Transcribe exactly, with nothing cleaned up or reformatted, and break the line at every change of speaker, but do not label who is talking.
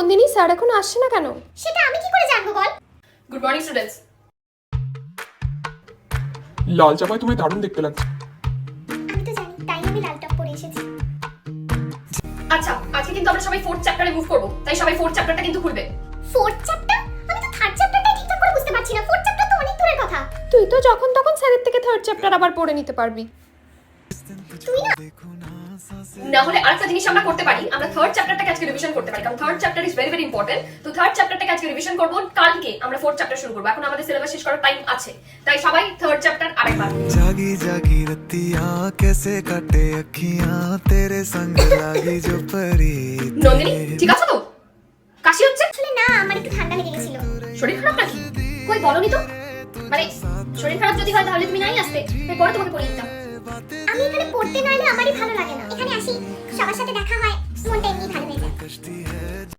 Nandini sir এখনো আসছে না কেন?
সেটা আমি কি করে জানবো বল?
Good morning students.
লাল জামায় তোমায় দারুণ দেখতে লাগছে।
আমি তো জানি, তাই আমি লাল টপ পরে এসেছি।
আচ্ছা, আজকে কিন্তু আমরা সবাই ফোর্থ চ্যাপ্টারে মুভ করব, তাই সবাই ফোর্থ চ্যাপ্টারটা কিন্তু খুলবে।
Fourth chapter? আমি তো থার্ড চ্যাপ্টারটাই ঠিকঠাক করে বুঝতে পারছি না। ফোর্থ চ্যাপ্টার তো অনেক দূরের কথা।
তুই তো যখন তখন স্যারের থেকে থার্ড চ্যাপ্টার আবার পড়ে নিতে পারবি।
তুই না
না হলে আরেকটা জিনিস আমরা করতে পারি, আমরা থার্ড চ্যাপ্টারটাকে আজকে রিভিশন করতে পারি, কারণ third chapter is very very important. তো থার্ড চ্যাপ্টারটাকে আজকে রিভিশন করব, কালকে আমরা ফোর্থ চ্যাপ্টার শুরু করব। এখন আমাদের সিলেবাস শেষ করার টাইম আছে, তাই সবাই থার্ড চ্যাপ্টার আরেকবার।
जागी जागी रतियां कैसे काटे अखियां तेरे संग लागी जो परी।
নন্দিনী ঠিক আছে তো? কাশি হচ্ছে?
আসলে না, আমার একটু ঠান্ডা লেগে গেছিল।
শরীর খারাপ নাকি? কই বলনি তো? মানে শরীর খারাপ যদি হয় তাহলে তুমি নাই আসতে, তাই পরে তোমাকে পড়িয়ে দিতাম।
আমি এখানে পড়তে না এলে আমারই ভালো লাগে না। এখানে আসি, সবার সাথে দেখা হয়, মনটা এমনি ভালো হয়ে যায়।